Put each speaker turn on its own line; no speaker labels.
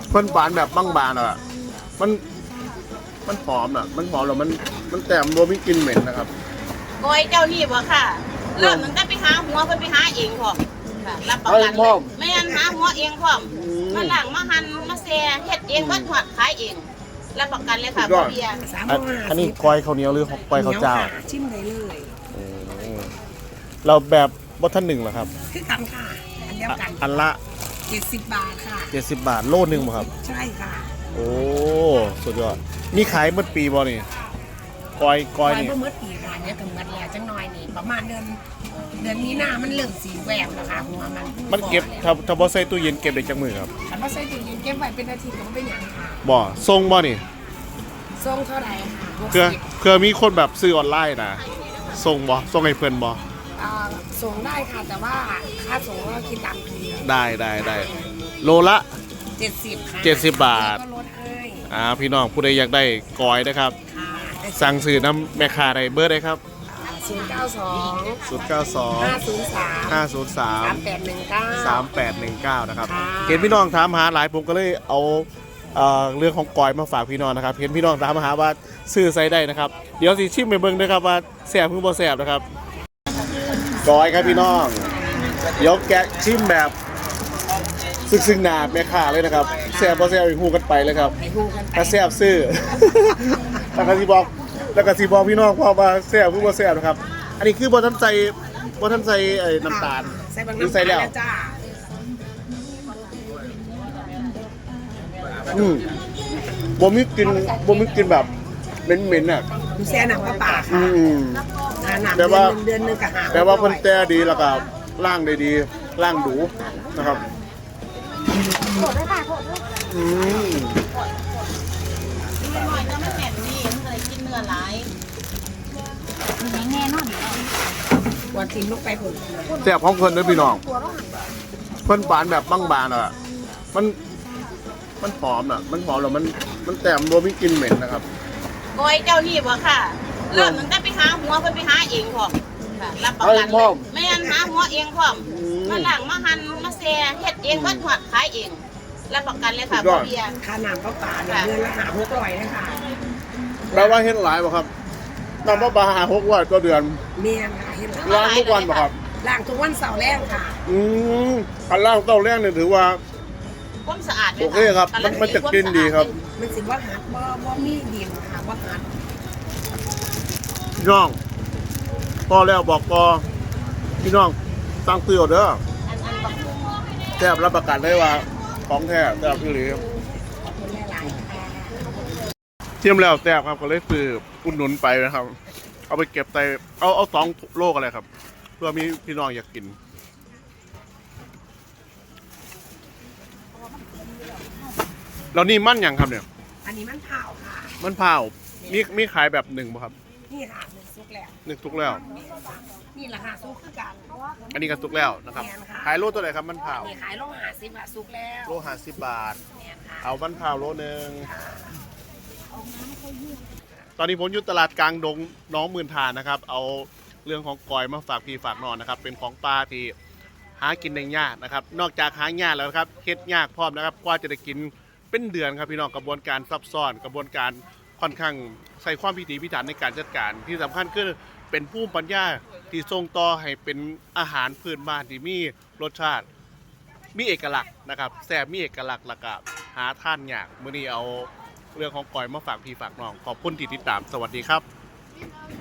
เพิ่นหวานแบบบางๆอ่ะมันหอมอ่ะมันหอมแล้วมันแต่มันมีกลิ่นเหม็นนะครับ
ก้อยเจ้านี่บ่ค่ะเริ่มตั้งแต่ไปหาหัวเพิ่นไปหาเองพร้อมค่ะรับประกันเลยไม่งั้นหาหัวเองพร้อมมาล้างมาหั่นมาแซ่เฮ็ดเองวัดหอดขายเองรับประกันเลยค่ะบ่เบียร์
อันนี้ก้อยข้าวเหนียวหรือก้อยข้าวเจ้า
ชิมได้เลย
เราแบบบ่ทันหนึ่งเหรอครับ
คือกันค่ะอันเดียวกัน
อันละ
70 บาทค่ะ
70 บาทโลนึงบ่ครับ
ใช่ค่ะ
โอ้สุดยอดมีขายเมื่อปีบ่นี่ก้อยนี่
เมื่อปีค่ะเนี่ยถึงเมื่อแล้วจังน้อยนี่ประมาณเดือนมีนามันเริ่มสีแหวกแล้วค่ะหัว
มันเก็บถ้าบ่ใส่ตู้เย็นเก็บได้จักมื้อครับ
ถ้าบ่ใส่ตู้เย็นเก็บไว้เป็นอาทิตย์ก็บ่เป็นหยังค่ะ
บ่ส่งบ่นี่
ส่งเท่าไหร่ค่ะ
เพื่อมีคนแบบซื้อออนไลน์นะส่งบ่ส่งให้เพื่อนบ่
ส่งได้ค่ะแต่ว่าค่าส่งก็คิดตามที
ได้โลละ
70ค่ะ
70 บาท
ก็ลดให้
พี่น้องผู้ใดอยากได้กอยนะครับสั่งซื้อน้ำแม่ค้าได้เบอร์ได้ครับ
092
3819นะครับเห็นพี่น้องถามหาหลายผมก็เลยเอาเรื่องของกอยมาฝากพี่น้องนะครับเห็นพี่น้องถามหาว่าซื้อไซได้นะครับเดี๋ยวสิชิมไปเบิ่งนะครับว่าแซ่บหรือบ่แซ่บนะครับกอยครับพี่น้องเดี๋ยวแกะชิมแบบซึ่งหน้าแม่ค้าเลยนะครับแซ่บบ่แซ่บฮู้กันไปเลยครับถ้าแซ่บซื้อแล้วก็สิบอกพี่น้องว่าแซ่บหรือบ่แซ่บนะครับอันนี้คือบ่ทันใส่น้ำตาลหรือใส่แล้วบ่มีกลิ่นแบบเหม็นๆอ่ะ
แซ่หนังปลาค่ะ
แต่ว่า
เดือนนึงก็หา
แต่ว่าเพิ่นแต่ดีแล้วก็ล้างได้ดีล้างดูนะครับ
โคตรได้ค่ะโคตรน้อยๆจะไม่แข็งดีมันเลยกินเนื้อหลายแน่นอน
วันกินลูกไปผล
แซ่บของเพิ่นเด้อพี่น้องเพิ่นหวานแบบบางๆอ่ะมันหอมอ่ะมันหอมแล้วมันแต่มันบ่มีกลิ่นเหม็นนะครับ
ก้อยเจ้านี่บ่ค่ะเริ่มตั้งแต่ไปหาหัวเพิ่นไปหาเองพร้อมค่ะรับประกันเลยไม่งั้นหาหัวเองพร้อมมาล้างมาหั่นมาแซ่เฮ็ดเองวัดหอดขายเองรับประกันเลยค่ะบ่เบียร์
ค่าน้ำก็ปลาเดือนละ600นะคะ
แปลว่าเฮ็ดหลายบ่ครับน้ำปลา600ต่อเดือน
แม่นค่ะเฮ็ด
ล้างทุกวันบ่ครับ
ล้างทุกวันเสาร์แรกค่ะ
คันล้างเสาร์แรกเนี่ยถือว่า
ความสะอาด
โอเคครับมันจะกินดีครับ
มันสิว่าหัดบ่มีดินค่ะว่าหัด
พี่น้องพอแล้วบอกพอพี่น้องตั้งเตือนเด้อแทบรับประกันได้ว่าของแท้แทบที่หลีเทียมแล้วแทบครับก็เลยซื้ออุดหนุนไปนะครับเอาไปเก็บไปเอา2 โลอะไรครับเพื่อมีพี่น้องอยากกินแล้วนี่มั่นยังครับเนี่ย
อันนี้มันเผาค่ะ
มันเผามีขายแบบ1ป่ะครับ
นี่ค่ะ1ซุกแล้ว
1ซุกแล้ว
นี่ราคาซุกคือกัน
อันนี้ก็ซุกแล้วนะครับขายโลตัวไหนครับมันเผา
ขายโล50 บาทซุกแล้ว
โล50 บาทเอามันเผาโลนึงตอนนี้ผมอยู่ตลาดกลางดงน้องหมื่นทานนะครับเอาเรื่องของกอยมาฝากพี่ฝากน้องนะครับเป็นของปลาที่หากินได้ยากนะครับนอกจากหายากแล้วครับเฮ็ดยากพร้อมนะครับกว่าจะได้กินเป็นเดือนครับพี่น้องกระบวนการซับซ้อนกระบวนการค่อนข้างใส่ความพิถีพิถันในการจัดการที่สำคัญคือเป็นภูมิปัญญาที่ส่งต่อให้เป็นอาหารพื้นบ้านที่มีรสชาติมีเอกลักษณ์นะครับแซ่บมีเอกลักษณ์แล้วก็หาทานยากมื้อนี้เอาเรื่องของกอยมาฝากพี่ฝากน้องขอบคุณที่ติดตามสวัสดีครับ